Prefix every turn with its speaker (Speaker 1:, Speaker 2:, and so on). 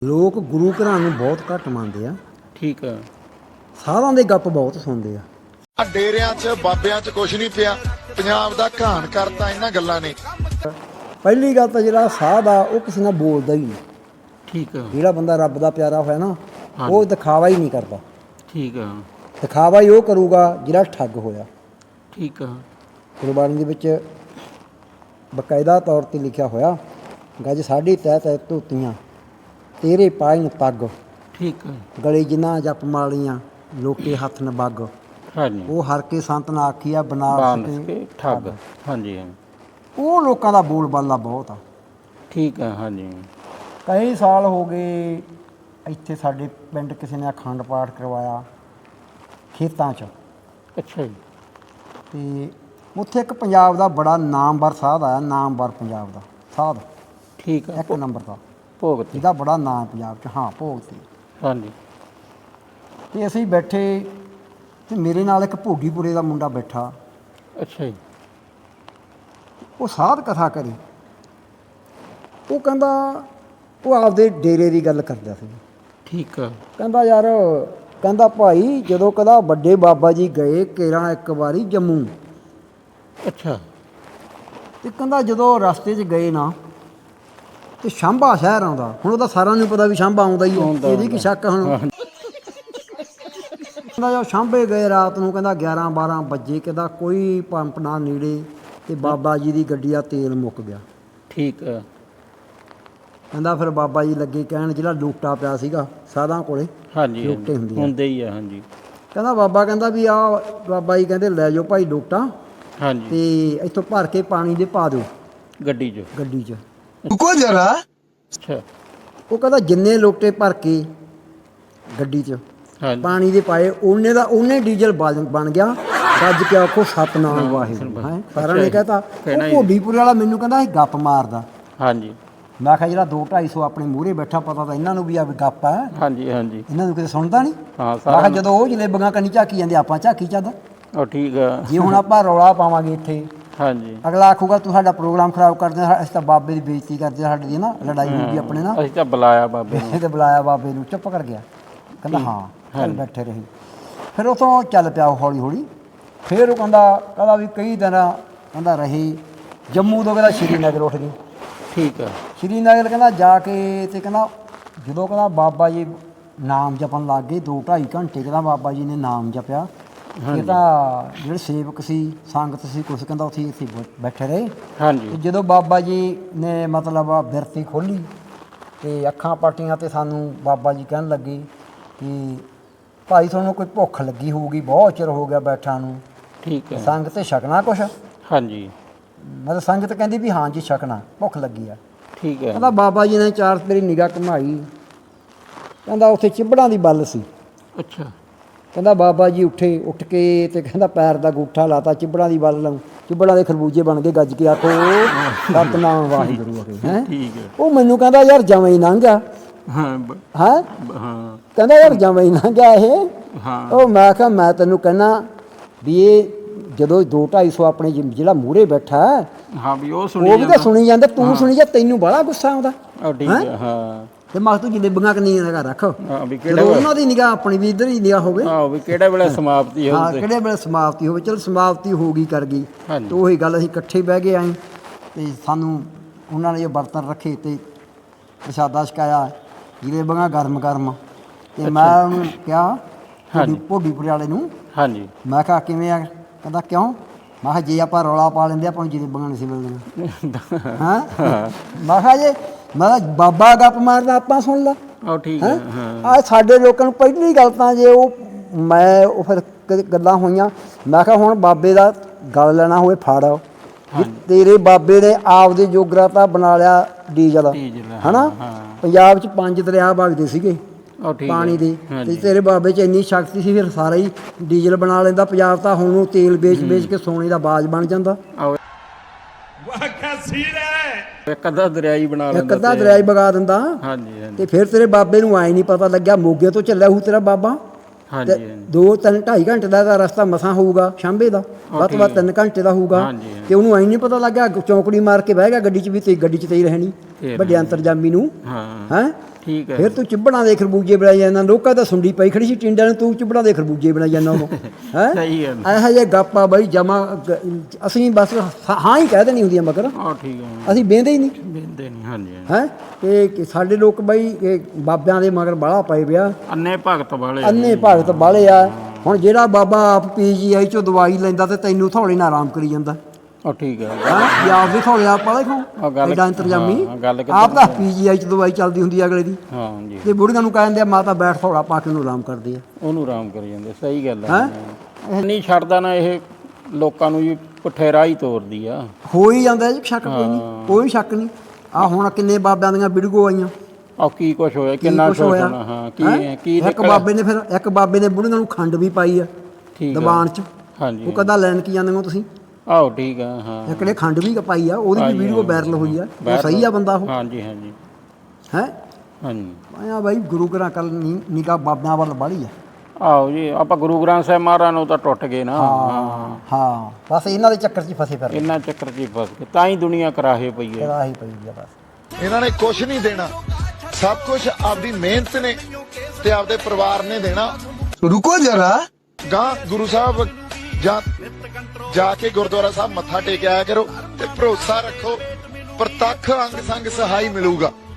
Speaker 1: ਲੋਕ ਗੁਰੂ ਘਰਾਂ ਨੂੰ ਬਹੁਤ ਘੱਟ ਮੰਨਦੇ ਆ।
Speaker 2: ਠੀਕ ਆ।
Speaker 1: ਸਾਧਾਂ ਦੇ ਗੱਪ ਬਹੁਤ ਸੁਣਦੇ ਆ।
Speaker 3: ਡੇਰਿਆਂ 'ਚ ਬਾਬਿਆਂ 'ਚ ਕੁਛ ਨਹੀਂ ਪਿਆ, ਪੰਜਾਬ ਦਾ ਘਾਣ ਕਰਤਾ ਇਹਨਾਂ ਗੱਲਾਂ ਨੇ।
Speaker 1: ਪਹਿਲੀ ਗੱਲ ਤਾਂ ਜਿਹੜਾ ਸਾਧ ਆ ਉਹ ਕਿਸੇ ਨਾਲ ਬੋਲਦਾ ਹੀ ਨਹੀਂ।
Speaker 2: ਠੀਕ ਆ।
Speaker 1: ਜਿਹੜਾ ਬੰਦਾ ਰੱਬ ਦਾ ਪਿਆਰਾ ਹੋਇਆ ਨਾ ਉਹ ਦਿਖਾਵਾ ਹੀ ਨਹੀਂ ਕਰਦਾ।
Speaker 2: ਠੀਕ ਆ।
Speaker 1: ਦਿਖਾਵਾ ਹੀ ਉਹ ਕਰੂਗਾ ਜਿਹੜਾ ਠੱਗ ਹੋਇਆ।
Speaker 2: ਠੀਕ ਆ।
Speaker 1: ਗੁਰਬਾਣੀ ਦੇ ਵਿੱਚ ਬਕਾਇਦਾ ਤੌਰ 'ਤੇ ਲਿਖਿਆ ਹੋਇਆ, ਗੱਜ ਸਾਡੀ ਤਹਿ ਤਹਿ ਧੋਤੀਆਂ ਤੇਰੇ ਪਾਇਨ ਪੱਗ,
Speaker 2: ਠੀਕ ਆ।
Speaker 1: ਗਲੇ ਜਿਨ੍ਹਾਂ ਜਪ ਮਾਲੀਆਂ ਲੋਕੇ ਹੱਥ ਨ ਬੱਗ,
Speaker 2: ਹਾਂਜੀ।
Speaker 1: ਉਹ ਹਰ ਕੇ ਸੰਤ ਨਾ ਆਖੀਆ ਬਣਾ
Speaker 2: ਕੇ ਠੱਗ। ਹਾਂਜੀ।
Speaker 1: ਉਹ ਲੋਕਾਂ ਦਾ ਬੋਲ ਬਾਲਾ ਬਹੁਤ ਆ।
Speaker 2: ਠੀਕ ਆ। ਹਾਂਜੀ।
Speaker 1: ਕਈ ਸਾਲ ਹੋ ਗਏ ਇੱਥੇ ਸਾਡੇ ਪਿੰਡ ਕਿਸੇ ਨੇ ਅਖੰਡ ਪਾਠ ਕਰਵਾਇਆ ਖੇਤਾਂ 'ਚ,
Speaker 2: ਅੱਛਾ ਜੀ।
Speaker 1: ਅਤੇ ਉੱਥੇ ਇੱਕ ਪੰਜਾਬ ਦਾ ਬੜਾ ਨਾਮਵਰ ਸਾਧ ਆਇਆ, ਨਾਮਵਰ ਪੰਜਾਬ ਦਾ ਸਾਧ,
Speaker 2: ਠੀਕ ਆ।
Speaker 1: ਇੱਕ ਨੰਬਰ ਦਾ,
Speaker 2: ਭੋਗ ਤੇ।
Speaker 1: ਜਿਹਦਾ ਬੜਾ ਨਾਂ ਪੰਜਾਬ 'ਚ। ਹਾਂ, ਭੋਗ ਤੇ।
Speaker 2: ਹਾਂਜੀ।
Speaker 1: ਅਤੇ ਅਸੀਂ ਬੈਠੇ ਅਤੇ ਮੇਰੇ ਨਾਲ ਇੱਕ ਭੋਗੀਪੁਰੇ ਦਾ ਮੁੰਡਾ ਬੈਠਾ।
Speaker 2: ਅੱਛਾ ਜੀ।
Speaker 1: ਉਹ ਸਾਧ ਕਥਾ ਕਰੀ। ਉਹ ਕਹਿੰਦਾ, ਉਹ ਆਪਦੇ ਡੇਰੇ ਦੀ ਗੱਲ ਕਰਦਾ ਸੀ।
Speaker 2: ਠੀਕ ਆ।
Speaker 1: ਕਹਿੰਦਾ ਯਾਰ, ਕਹਿੰਦਾ ਭਾਈ ਜਦੋਂ ਕਦਾ ਵੱਡੇ ਬਾਬਾ ਜੀ ਗਏ ਕੇਰਾਂ ਇੱਕ ਵਾਰੀ ਜੰਮੂ,
Speaker 2: ਅੱਛਾ।
Speaker 1: ਅਤੇ ਕਹਿੰਦਾ ਜਦੋਂ ਰਸਤੇ 'ਚ ਗਏ ਨਾ ਅਤੇ ਸ਼ਾਂਭਾ ਸ਼ਹਿਰ ਆਉਂਦਾ। ਹੁਣ ਉਹਦਾ ਸਾਰਿਆਂ ਨੂੰ ਪਤਾ ਵੀ ਸ਼ਾਂਭਾ ਆਉਂਦਾ ਹੀ ਹੈ, ਇਹਦੀ ਕੀ ਸ਼ੱਕ ਹੁਣ। ਕਹਿੰਦਾ ਜਦੋਂ ਸ਼ਾਂਭੇ ਗਏ ਰਾਤ ਨੂੰ, ਕਹਿੰਦਾ 11-12 ਵਜੇ, ਕਹਿੰਦਾ ਕੋਈ ਪੰਪ ਨਾ ਨੇੜੇ, ਅਤੇ ਬਾਬਾ ਜੀ ਦੀ ਗੱਡੀ ਦਾ ਤੇਲ ਮੁੱਕ ਗਿਆ।
Speaker 2: ਠੀਕ ਆ।
Speaker 1: ਕਹਿੰਦਾ ਫਿਰ ਬਾਬਾ ਜੀ ਲੱਗੇ ਕਹਿਣ, ਜਿਹੜਾ ਲੋਟਾ ਪਿਆ ਸੀਗਾ ਸਾਧਾਂ ਕੋਲੇ,
Speaker 2: ਹਾਂਜੀ।
Speaker 1: ਲੋਟੇ ਹੁੰਦੇ ਆ।
Speaker 2: ਹੁੰਦੇ ਹੀ ਆ। ਹਾਂਜੀ।
Speaker 1: ਕਹਿੰਦਾ ਬਾਬਾ ਕਹਿੰਦਾ ਵੀ ਆਹ ਬਾਬਾ ਜੀ ਕਹਿੰਦੇ ਲੈ ਜਾਓ ਭਾਈ ਲੋਟਾ,
Speaker 2: ਹਾਂਜੀ।
Speaker 1: ਅਤੇ ਇੱਥੋਂ ਭਰ ਕੇ ਪਾਣੀ ਦੇ ਪਾ ਦਿਓ
Speaker 2: ਗੱਡੀ 'ਚ।
Speaker 1: ਗੱਡੀ 'ਚ।
Speaker 3: ਰੁਕੋ ਜਰਾ।
Speaker 2: ਅੱਛਾ।
Speaker 1: ਉਹ ਕਹਿੰਦਾ ਜਿੰਨੇ ਲੋਟੇ ਭਰ ਕੇ ਗੱਡੀ 'ਚ
Speaker 2: ਹਾਂਜੀ।
Speaker 1: ਪਾਣੀ ਦੇ ਪਾਏ, ਉਹਨੇ ਡੀਜ਼ਲ ਬਣ ਗਿਆ। ਗੱਜ ਕੇ ਆਖੋ ਸਤਿਨਾਮ ਵਾਹਿਗੁਰੂ। ਹੈ ਸਾਰਿਆਂ ਨੇ ਕਹਿਤਾ। ਉਹ ਭੋਡੀਪੁਰੇ ਵਾਲਾ ਮੈਨੂੰ ਕਹਿੰਦਾ ਇਹ ਗੱਪ ਮਾਰਦਾ।
Speaker 2: ਹਾਂਜੀ।
Speaker 1: ਮੈਂ ਕਿਹਾ ਜਿਹੜਾ 200-250 ਆਪਣੇ ਮੂਹਰੇ ਬੈਠਾ, ਪਤਾ ਤਾਂ ਇਹਨਾਂ ਨੂੰ ਵੀ ਆ ਵੀ ਗੱਪ ਹੈ,
Speaker 2: ਹਾਂਜੀ। ਹਾਂਜੀ।
Speaker 1: ਇਹਨਾਂ ਨੂੰ ਕਿਤੇ ਸੁਣਦਾ ਨਹੀਂ।
Speaker 2: ਹਾਂ।
Speaker 1: ਮੈਂ ਕਿਹਾ ਜਦੋਂ ਉਹ ਜਲੇਬੀਆਂ ਕੰਨੀ ਝਾਕੀ ਜਾਂਦੇ ਆਪਾਂ ਝਾਕੀ ਚੱਲਦਾ।
Speaker 2: ਉਹ ਠੀਕ ਆ।
Speaker 1: ਜੇ ਹੁਣ ਆਪਾਂ ਰੌਲਾ ਪਾਵਾਂਗੇ ਇੱਥੇ,
Speaker 2: ਹਾਂਜੀ।
Speaker 1: ਅਗਲਾ ਆਖੂਗਾ ਤੂੰ ਸਾਡਾ ਪ੍ਰੋਗਰਾਮ ਖਰਾਬ ਕਰਦੇ, ਅਸੀਂ ਤਾਂ ਬਾਬੇ ਦੀ ਬੇਇੱਜ਼ਤੀ ਕਰਦੇ, ਸਾਡੀ ਦੀ ਨਾ ਲੜਾਈ ਹੋਊਗੀ ਆਪਣੇ ਨਾਲ।
Speaker 2: ਅਸੀਂ ਤਾਂ ਬੁਲਾਇਆ ਬਾਬੇ ਨੂੰ।
Speaker 1: ਇਹ ਤੇ ਬੁਲਾਇਆ ਬਾਬੇ ਨੂੰ, ਚੁੱਪ ਕਰ ਗਿਆ। ਕਹਿੰਦਾ ਹਾਂ, ਚੱਲ ਬੈਠੇ ਰਹੀ। ਫਿਰ ਉੱਥੋਂ ਚੱਲ ਪਿਆ ਹੌਲੀ ਹੌਲੀ। ਫਿਰ ਉਹ ਕਹਿੰਦਾ ਵੀ ਕਈ ਦਿਨ ਕਹਿੰਦਾ ਰਹੀ ਜੰਮੂ ਤੋਂ, ਕਹਿੰਦਾ ਸ਼੍ਰੀਨਗਰ ਉੱਠ ਗਏ।
Speaker 2: ਠੀਕ ਆ।
Speaker 1: ਸ਼੍ਰੀਨਗਰ ਕਹਿੰਦਾ ਜਾ ਕੇ, ਅਤੇ ਕਹਿੰਦਾ ਜਦੋਂ ਕਹਿੰਦਾ ਬਾਬਾ ਜੀ ਨਾਮ ਜਪਣ ਲੱਗ ਗਏ 2-2.5 ਘੰਟੇ, ਕਹਿੰਦਾ ਬਾਬਾ ਜੀ ਨੇ ਨਾਮ ਜਪਿਆ। ਇਹ ਤਾਂ ਜਿਹੜੇ ਸੇਵਕ ਸੀ, ਸੰਗਤ ਸੀ ਕੁਛ, ਕਹਿੰਦਾ ਉੱਥੇ ਬੈਠੇ ਰਹੇ।
Speaker 2: ਹਾਂਜੀ।
Speaker 1: ਤੇ ਜਦੋਂ ਬਾਬਾ ਜੀ ਨੇ ਮਤਲਬ ਬਿਰਤੀ ਖੋਲ੍ਹੀ ਅਤੇ ਅੱਖਾਂ ਪਾਟੀਆਂ, ਅਤੇ ਸਾਨੂੰ ਬਾਬਾ ਜੀ ਕਹਿਣ ਲੱਗੇ ਕਿ ਭਾਈ ਤੁਹਾਨੂੰ ਕੋਈ ਭੁੱਖ ਲੱਗੀ ਹੋਊਗੀ, ਬਹੁਤ ਚਿਰ ਹੋ ਗਿਆ ਬੈਠਾ ਨੂੰ,
Speaker 2: ਠੀਕ ਆ।
Speaker 1: ਸੰਗਤ ਤੇ ਛਕਣਾ ਕੁਛ।
Speaker 2: ਹਾਂਜੀ।
Speaker 1: ਮਤਲਬ ਸੰਗਤ ਕਹਿੰਦੀ ਵੀ ਹਾਂ ਜੀ ਛਕਣਾ, ਭੁੱਖ ਲੱਗੀ ਆ।
Speaker 2: ਠੀਕ ਆ।
Speaker 1: ਕਹਿੰਦਾ ਬਾਬਾ ਜੀ ਨੇ ਚਾਰ ਮੇਰੀ ਨਿਗਾਹ ਘੁਮਾਈ। ਕਹਿੰਦਾ ਉੱਥੇ ਚਿੱਬੜਾਂ ਦੀ ਬੱਲ ਸੀ।
Speaker 2: ਅੱਛਾ।
Speaker 1: ਕਹਿੰਦਾ ਬਾਬਾ ਜੀ ਉੱਠ ਕੇ ਅਤੇ ਕਹਿੰਦਾ ਪੈਰ ਦਾ ਅੰਗੂਠਾ ਲਾਤਾ ਚਿੱਬੜਾਂ ਦੀ ਬੱਲ ਨੂੰ, ਚਿੱਬੜਾਂ ਦੇ ਖਰਬੂਜੇ ਬਣ ਕੇ ਗੱਜ ਕੇ ਆਖੋ ਸਤਿਨਾਮ ਵਾਹਿਗੁਰੂ ਆ ਗਏ। ਹੈਂ,
Speaker 2: ਠੀਕ ਹੈ।
Speaker 1: ਉਹ ਮੈਨੂੰ ਕਹਿੰਦਾ ਯਾਰ ਜਮਾਂ ਹੀ ਲੰਘ ਗਿਆ।
Speaker 2: ਹਾਂ।
Speaker 1: ਹੈਂ,
Speaker 2: ਹਾਂ।
Speaker 1: ਕਹਿੰਦਾ ਯਾਰ ਜਮਾਂ ਹੀ ਲੰਘ ਗਿਆ ਇਹ।
Speaker 2: ਹਾਂ।
Speaker 1: ਉਹ ਮੈਂ ਕਿਹਾ ਮੈਂ ਤੈਨੂੰ ਕਹਿੰਦਾ ਵੀ ਇਹ ਜਦੋਂ 200-250 ਆਪਣੇ ਜਿਹੜਾ ਮੂਹਰੇ ਬੈਠਾ
Speaker 2: ਹਾਂ ਵੀ ਉਹ
Speaker 1: ਵੀ ਤਾਂ ਸੁਣੀ ਜਾਂਦਾ, ਤੂੰ ਸੁਣੀ ਜਾ, ਤੈਨੂੰ ਬੜਾ ਗੁੱਸਾ ਆਉਂਦਾ।
Speaker 2: ਉਹ ਠੀਕ ਆ। ਹਾਂ।
Speaker 1: ਤੇ ਮੈਂ ਤੂੰ ਜਲੇਬੀਆਂ ਕਿੰਨੀ ਨਿਗਾਹ ਰੱਖ,
Speaker 2: ਹਾਂ ਵੀ
Speaker 1: ਜਦੋਂ ਉਹਨਾਂ ਦੀ ਨਿਗਾਹ ਆਪਣੀ ਵੀ ਇੱਧਰ ਹੀ ਨਿਗਾਹ ਹੋਵੇ।
Speaker 2: ਹਾਂ ਵੀ ਕਿਹੜੇ ਵੇਲੇ ਸਮਾਪਤੀ
Speaker 1: ਹਾਂ,
Speaker 2: ਹੋਊ।
Speaker 1: ਕਿਹੜੇ ਵੇਲੇ ਸਮਾਪਤੀ ਹੋਵੇ। ਚਲ ਸਮਾਪਤੀ ਹੋ ਗਈ, ਕਰ ਗਈ।
Speaker 2: ਹਾਂਜੀ।
Speaker 1: ਤੇ ਉਹੀ ਗੱਲ, ਅਸੀਂ ਇਕੱਠੇ ਬਹਿ ਗਏ ਆਏ, ਅਤੇ ਸਾਨੂੰ ਉਹਨਾਂ ਨੇ ਜੋ ਬਰਤਨ ਰੱਖੇ ਅਤੇ ਪ੍ਰਸ਼ਾਦਾ ਛਕਾਇਆ, ਜਲੇਬੀਆਂ ਗਰਮ ਗਰਮ। ਅਤੇ ਮੈਂ ਉਹਨੂੰ ਕਿਹਾ ਭੋਡੀਪੁਰੇ ਵਾਲੇ ਨੂੰ,
Speaker 2: ਹਾਂਜੀ।
Speaker 1: ਮੈਂ ਕਿਹਾ ਕਿਵੇਂ ਆ? ਕਹਿੰਦਾ ਕਿਉਂ? ਮੈਂ ਕਿਹਾ ਜੇ ਆਪਾਂ ਰੌਲਾ ਪਾ ਲੈਂਦੇ ਆਪਾਂ ਨੂੰ ਜਲੇਬੀਆਂ ਨਹੀਂ ਸੀ ਮਿਲਦੀਆਂ। ਹਾਂ, ਮੈਂ ਕਿਹਾ ਜੇ ਮੈਂ ਬਾਬਾ ਗੱਪ ਮਾਰਦਾ ਆਪਾਂ ਸੁਣ ਲਾ।
Speaker 2: ਉਹ ਠੀਕ ਹੈ। ਹਾਂ।
Speaker 1: ਆ ਸਾਡੇ ਲੋਕਾਂ ਨੂੰ ਪਹਿਲੀ ਗੱਲ ਤਾਂ ਜੇ ਉਹ ਫਿਰ ਗੱਲਾਂ ਹੋਈਆਂ। ਮੈਂ ਕਿਹਾ ਹੁਣ ਬਾਬੇ ਦਾ ਗੱਲ ਲੈਣਾ ਹੋਵੇ ਫੜ, ਵੀ ਤੇਰੇ ਬਾਬੇ ਨੇ ਆਪਦੇ ਜੋਗਰਾ ਬਣਾ ਲਿਆ ਡੀਜ਼ਲ, ਹੈ ਨਾ। ਪੰਜਾਬ 'ਚ 5 ਦਰਿਆ ਵਗਦੇ ਸੀਗੇ ਪਾਣੀ ਦੇ, ਅਤੇ ਤੇਰੇ ਬਾਬੇ 'ਚ ਇੰਨੀ ਸ਼ਕਤੀ ਸੀ, ਫਿਰ ਸਾਰਾ ਹੀ ਡੀਜ਼ਲ ਬਣਾ ਲੈਂਦਾ ਪੰਜਾਬ ਤਾਂ। ਹੁਣ ਉਹ ਤੇਲ ਵੇਚ ਕੇ ਸੋਨੇ ਦਾ ਬਾਜ ਬਣ ਜਾਂਦਾ।
Speaker 2: ਇੱਕ ਅੱਧਾ ਦਰਿਆ ਹੀ ਬਣਾ ਲੈਂਦਾ,
Speaker 1: ਇੱਕ ਅੱਧਾ ਦਰਿਆ ਹੀ ਵਗਾ ਦਿੰਦਾ।
Speaker 2: ਹਾਂਜੀ।
Speaker 1: ਅਤੇ ਫਿਰ ਤੇਰੇ ਬਾਬੇ ਨੂੰ ਆਏ ਨਹੀਂ ਪਤਾ ਲੱਗਿਆ ਮੋਗੇ ਤੋਂ ਚੱਲਿਆ ਹੋਊ ਤੇਰਾ ਬਾਬਾ।
Speaker 2: ਹਾਂਜੀ।
Speaker 1: 2-3-2.5 ਘੰਟੇ ਦਾ ਰਸਤਾ ਮਸਾਂ ਹੋਊਗਾ, ਸ਼ਾਂਭੇ ਦਾ ਵੱਧ ਤੋਂ ਵੱਧ 3 ਘੰਟੇ ਦਾ ਹੋਊਗਾ। ਅਤੇ ਉਹਨੂੰ ਐਂ ਨਹੀਂ ਪਤਾ ਲੱਗਾ, ਚੌਂਕੜੀ ਮਾਰ ਕੇ ਬਹਿ ਗਿਆ ਗੱਡੀ 'ਚ, ਵੀ ਤੇ ਗੱਡੀ 'ਚ ਤੇ ਹੀ ਰਹਿਣੀ ਵੱਡੇ ਅੰਤਰਜਾਮੀ ਨੂੰ। ਹੈਂ,
Speaker 2: ਠੀਕ ਹੈ
Speaker 1: ਫਿਰ ਤੂੰ ਚਿੱਬੜਾਂ ਦੇ ਖਰਬੂਜੇ ਬਣਾਈ ਜਾਂਦਾ। ਲੋਕਾਂ ਤਾਂ ਸੁੰਡੀ ਪਈ ਖੜੀ ਸੀ ਟਿੰਡਿਆਂ ਨੂੰ, ਤੂੰ ਚਿੱਬੜਾਂ ਦੇ ਖਰਬੂਜੇ ਬਣਾਈ ਜਾਂਦਾ ਉਦੋਂ ਹੈ।
Speaker 2: ਸਹੀ ਹੈ
Speaker 1: ਇਹੋ ਜਿਹੇ ਗੱਪਾ ਬਾਈ ਜਮਾ ਅਸੀਂ ਬਸ ਹਾਂ ਹੀ ਕਹਿ ਦੇਣੀ ਹੁੰਦੀਆਂ ਮਗਰ
Speaker 2: ਹਾਂ ਠੀਕ ਹੈ
Speaker 1: ਅਸੀਂ ਬਹਿੰਦੇ ਹੀ ਨਹੀਂ
Speaker 2: ਬਿੰਦੇ ਨਹੀਂ ਹਾਂਜੀ
Speaker 1: ਹੈ। ਤੇ ਸਾਡੇ ਲੋਕ ਬਾਈ ਇਹ ਬਾਬਿਆਂ ਦੇ ਮਗਰ ਬਾਹਲਾ ਪਏ ਪਿਆ,
Speaker 2: ਅੰਨੇ ਭਗਤ ਵਾਲੇ
Speaker 1: ਅੰਨੇ ਭਗਤ ਬਾਹਲੇ ਆ। ਹੁਣ ਜਿਹੜਾ ਬਾਬਾ ਆਪ PGI ਚੋਂ ਦਵਾਈ ਲੈਂਦਾ ਤੇ ਤੈਨੂੰ ਥੋੜੇ ਨਾਲ ਆਰਾਮ ਕਰੀ ਜਾਂਦਾ
Speaker 2: ਉਹ ਠੀਕ ਹੈ
Speaker 1: ਹਾਂ। ਆਪ ਵੀ ਥੋੜੇ ਆਪ ਵਾਲੇ
Speaker 2: ਉਹ
Speaker 1: ਖਾਓ
Speaker 2: ਗੱਲ-
Speaker 1: ਐਡਾ ਇੰਤਜ਼ਾਮੀ
Speaker 2: ਹਾਂ, ਗੱਲ
Speaker 1: ਆਪ ਤਾਂ PGI ਚ ਦਵਾਈ ਚੱਲਦੀ ਹੁੰਦੀ ਆ ਅਗਲੇ ਦੀ।
Speaker 2: ਹਾਂ ਜੀ
Speaker 1: ਤੇ ਬੁੜੀਆਂ ਨੂੰ ਕਹਿੰਦੇ ਆ ਮਾਤਾ ਬੈਠ ਥੋੜਾ ਪਾ ਕੇ ਉਹਨੂੰ ਆਰਾਮ ਕਰਦੇ ਆ
Speaker 2: ਉਹਨੂੰ ਆਰਾਮ ਕਰੀ ਜਾਂਦੇ ਸਹੀ ਗੱਲ ਹੈ ਨਹੀਂ ਛੱਡਦਾ ਨਾ ਇਹ ਲੋਕਾਂ ਨੂੰ ਜੀ ਪੁੱਠੇ ਰਾਹ ਹੀ ਤੋਰਦੀ ਆ।
Speaker 1: ਹੋ ਹੀ ਜਾਂਦਾ ਜੀ, ਸ਼ੱਕ ਕੋਈ ਨਹੀਂ, ਕੋਈ ਸ਼ੱਕ ਨਹੀਂ। ਆ ਹੁਣ ਕਿੰਨੇ ਬਾਬਿਆਂ ਦੀਆਂ ਵੀਡੀਓ ਆਈਆਂ,
Speaker 2: ਆ ਕੀ ਕੁਛ ਹੋਇਆ
Speaker 1: ਕੀ
Speaker 2: ਕਿੰਨਾ
Speaker 1: ਕੁਛ
Speaker 2: ਕੁਛ
Speaker 1: ਹੋਇਆ।
Speaker 2: ਹੋਣਾ ਹਾਂ
Speaker 1: ਹੈਂ?
Speaker 2: ਕੀ
Speaker 1: ਇੱਕ ਬਾਬੇ ਨੇ ਫਿਰ ਇੱਕ ਬਾਬੇ ਨੇ ਬੁੜੀਆਂ ਨੂੰ ਖੰਡ ਵੀ ਪਾਈ ਆ
Speaker 2: ਠੀਕ
Speaker 1: ਦੀਵਾਨ ਚ।
Speaker 2: ਹਾਂਜੀ
Speaker 1: ਉਹ ਕਦਾ ਲੈਣ ਕੀ ਜਾਂਦੇ ਹੋ ਤੁਸੀਂ?
Speaker 2: ਆਹੋ ਠੀਕ ਆ ਹਾਂ
Speaker 1: ਇੱਕ ਨੇ ਖੰਡ ਵੀ ਪਾਈ ਆ, ਉਹਦੀ ਵੀ ਵੀਡੀਓ ਵਾਇਰਲ ਹੋਈ ਆ। ਉਹ ਸਹੀ ਆ ਬੰਦਾ ਉਹ
Speaker 2: ਹਾਂਜੀ ਹਾਂਜੀ
Speaker 1: ਹੈ।
Speaker 2: ਹਾਂਜੀ
Speaker 1: ਆਇਆ ਬਾਈ ਗੁਰੂ ਘਰਾਂ ਕੱਲ ਨਿਗਾਹ ਬਾਬਿਆਂ ਵੱਲ ਬਾਹਲੀ ਆ।
Speaker 2: ਆਹੋ ਜੀ ਆਪਾਂ ਗੁਰੂ ਗ੍ਰੰਥ ਸਾਹਿਬ ਮਹਾਰਾਜ ਨੂੰ ਤਾਂ ਟੁੱਟ ਗਏ ਨਾ
Speaker 1: ਹਾਂ ਬਸ ਇਹਨਾਂ ਦੇ ਚੱਕਰ 'ਚ ਹੀ ਫਸੇ ਫਿਰ
Speaker 2: ਇੰਨਾ ਚੱਕਰ 'ਚ ਹੀ ਫਸ ਗਏ ਤਾਂ ਹੀ ਦੁਨੀਆ ਕਰਾਹੇ ਪਈ ਹੈ।
Speaker 1: ਰਾਹੀ ਪਈ ਆ ਬਸ।
Speaker 3: ਇਹਨਾਂ ਨੇ ਕੁਝ ਨਹੀਂ ਦੇਣਾ, ਸਭ ਕੁਝ ਆਪਦੀ ਮਿਹਨਤ ਨੇ ਤੇ ਆਪਦੇ ਪਰਿਵਾਰ ਨੇ ਦੇਣਾ।
Speaker 4: रुको जरा
Speaker 3: ਗਾਂ ਗੁਰੂ ਸਾਹਿਬ ਜਾ ਕੇ ਗੁਰਦੁਆਰਾ ਸਾਹਿਬ ਮੱਥਾ ਟੇਕ ਆਇਆ ਕਰੋ ਤੇ ਭਰੋਸਾ ਰੱਖੋ ਪ੍ਰਤੱਖ ਅੰਗ ਸੰਗ ਸਹਾਈ ਮਿਲੂਗਾ।